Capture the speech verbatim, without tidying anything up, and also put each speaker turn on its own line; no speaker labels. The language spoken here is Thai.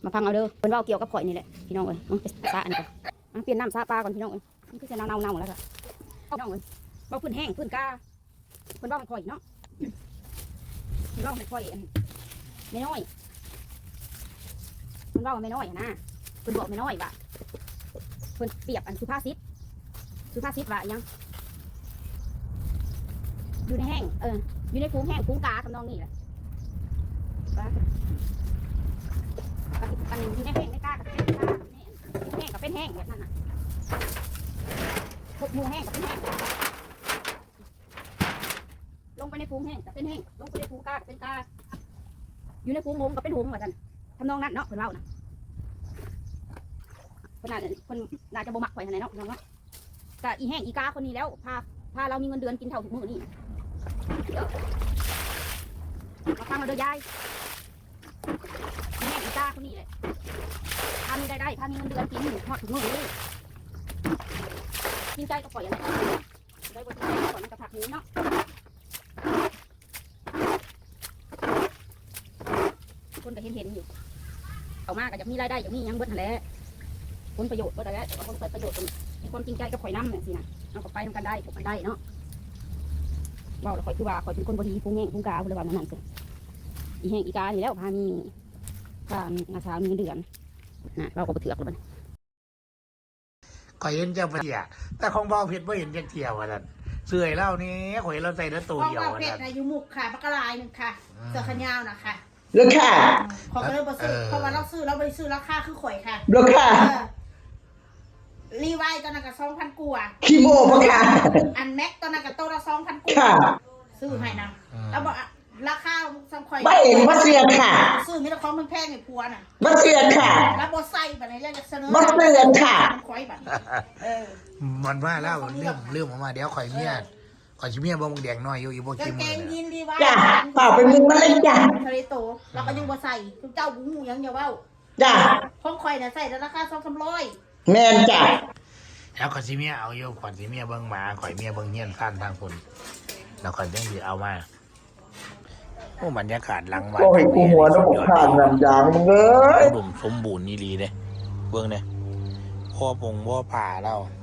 มาพังเอาเด้อเพิ่นว่าเกี่ยวกับข่อยนี่แหละพี่น้องเอ้ยเอาไปซาอันนี้ก่อนเปลี่ยนน้ำซาปลาก่อนพี่น้องเอ้ยมันคือจะเน่าๆแล้วค่ะพี่น้องเอ้ยเบาพื้นแห้งพื้นกาเพิ่นว่ามันข่อยเนาะเพิ่นว่ามันข่อยไม่น้อยเพิ่นว่ามันไม่น้อยนะเพิ่นบอกไม่น้อยว่าเพิ่นเปรียบอันสุภาษิตสุภาษิตว่ายังอยู่ในแห้งเอออยู่ในฟูงแห้งฟูงกาทำนองนี้แหละอันนี้อยู่ในแห้งในกากับเป็นกาแห้งกับเป็นแห้งแบบนั้นน่ะพวกมูแห้งกับเป็นแห้งลงไปในฟูงแห้งกับเป็นแห้งลงไปในฟูงกากับเป็นกาอยู่ในฟูงหงกับเป็นหงเหมือนกันทำนองนั้นเนาะเพิ่นเล่านะเพิ่นน่าเพิ่นน่าจะบ่มักข่อยเท่าไหร่เนาะน้องเนาะก็อีแห้งอีกาคนนี้แล้วพาพาเรามีเงินเดือนกินเท่าทุกมื้อนี่มาฟังเราเด้อยายแม่อีกาคนนี้เลยพามีได้ได้พามีเงินเดือนกินหอดถึงมือนี่กินใจก็ปล่อยอะไรได้บทที่ก่อนมันกระผักนี้เนาะคนก็เห็นเห็นอยู่เอามากก็จะมีรายได้อย่างนี้ยังเบิดแหละผลประโยชน์ก็ได้แล้วแต่คนเกิดประโยชน์ความจริงใจก็ปล่อยน้ำเนี่ยสินะเอาไปทำกันได้ผมได้เนาะว่าเราคอยคือว่าคอยเป็นคนบดีพุงแห้งพุงกาพุงระบาดนั่นสิอีแห้งอีกานี่แล้วพามีพาอาชามีเดือนนะเราก็ไปเถือกแล้วมัน
ข่อยเห็นเจ้าเพียแต่ของเบาเพชรไม่เห็นจักเที่ยวกันเสื่อยเล่านี้ข่อยเราใส่แล้วตัวเดียว
ของ
กั
เบาเพชรอายุมุกค่ะปากกาลายหนึ่งค่ะเสือขยาวนะคะ
เลือกค่ะ
ขอก็เลยบอซื้อเพราะว่าเราซื้อเราไปซื้อราคาคือข่อยค่ะ
เลือกค่ะ
รีไวตอนนั้นกับสองพันกัว
คีโมพะค่ะ
อันแม็กตอนนั้นกับโตละสองพันกัว
ค่ะ
ซื้อให้นะแล้วบอกราคาสังข่อย
ไม่เห็นว่าเสียค่ะ
ซื้อมีแต่ของมันแพงไอ้ผัวน่ะ
ว่าเสียค่ะ
แล้วบอใส่แบบนี้จะเสนอ
ว่าเสียค่ะ
มันข่อยแบบเออ
มันว่าแล้วเรื่องเรื่องออกมาเดี๋ยวข่อยเมียข่อยชิเมียบ่มึงแดงน้อยอยู่อีบ่
กา
กิ
ง
น
เก
มือง
ยีนรีไว
จ้ะเปล่าไปมึงมาเลยจ้ะ
ทะเลโตเราก็ยังบอใส่ทุกเจ้าบุ้งหูยังอย่าว่า
จ้ะ
ของข่อยเนี่ยใส่ราคาสองสามร้อย
แมนจ้ะ
แล้วข่อยชิเมียเอาอยู่ข่อยชิเมียเบิ่งหมาข่อยเมียเบิ่งเฮียนซ่านทางคนแล้วข่อยยังสิเอามาโอ้บรรยากาศหลังวัด
โอ้ยกูหัวน้ำขาดน้ำยางมึงเอ้ย
อุดมสมบูรณ์นี่ดีเด้เบิ่งเด้พ่อปงพ่อป่าเรา